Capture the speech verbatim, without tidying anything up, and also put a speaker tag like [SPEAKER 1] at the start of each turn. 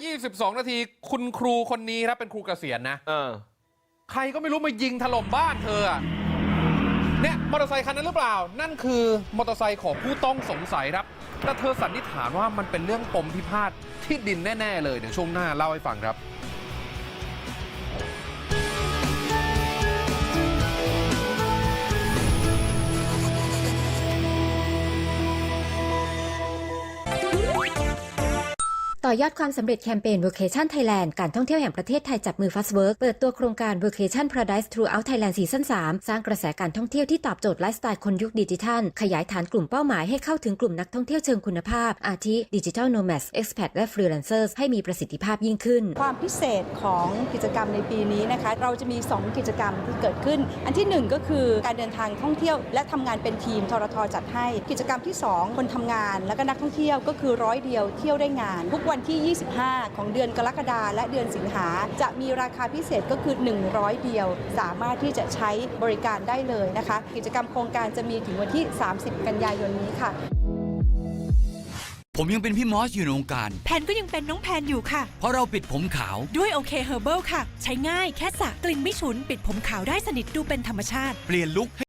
[SPEAKER 1] ยี่สิบสองนาทีคุณครูคนนี้ครับเป็นครูเกษียณนะเออใครก็ไม่รู้มายิงถล่มบ้านเธออะเนี่ยมอเตอร์ไซคันนั้นหรือเปล่านั่นคือมอเตอร์ไซค์ของผู้ต้องสงสัยครับแต่เธอสันนิษฐานว่ามันเป็นเรื่องปมพิพาทที่ดินแน่ๆเลยเดี๋ยวช่วงหน้าเล่าให้ฟังครับ
[SPEAKER 2] ต่อยอดความสำเร็จแคมเปญ Vacation Thailand การท่องเที่ยวแห่งประเทศไทยจับมือ Fastwork เปิดตัวโครงการ Vacation Paradise Throughout Thailand ซีซั่น สาม สร้างกระแสการท่องเที่ยวที่ตอบโจทย์ไลฟ์สไตล์คนยุคดิจิทัลขยายฐานกลุ่มเป้าหมายให้เข้าถึงกลุ่มนักท่องเที่ยวเชิงคุณภาพอาทิ Digital Nomads Expat และ Freelancers ให้มีประสิทธิภาพยิ่งขึ้น
[SPEAKER 3] ความพิเศษของกิจกรรมในปีนี้นะคะเราจะมีสองกิจกรรมที่เกิดขึ้นอันที่หนึ่งก็คือการเดินทางท่องเที่ยวและทำงานเป็นทีมทรทจัดให้กิจกรรมที่สองคนทำงานและก็นักท่องเที่ยวก็คือร้อยเดียวเที่ยวได้งานทุกวันที่ยี่สิบห้าของเดือนกรกฎาคมและเดือนสิงหาจะมีราคาพิเศษก็คือหนึ่งร้อยเดียวสามารถที่จะใช้บริการได้เลยนะคะกิจกรรมโครงการจะมีถึงวันที่สามสิบกันยายนนี้ค่ะ
[SPEAKER 4] ผมยังเป็นพี่มอสอยู่ในวงการ
[SPEAKER 5] แพนก็ยังเป็นน้องแพนอยู่ค่ะ
[SPEAKER 4] เพราะเราปิดผมขาว
[SPEAKER 5] ด้วยโอเคเฮอร์เบิลค่ะใช้ง่ายแค่สระกลิ่นไม่ฉุนปิดผมขาวได้สนิทดูเป็นธรรมชาติ
[SPEAKER 4] เปลี่ยนลุค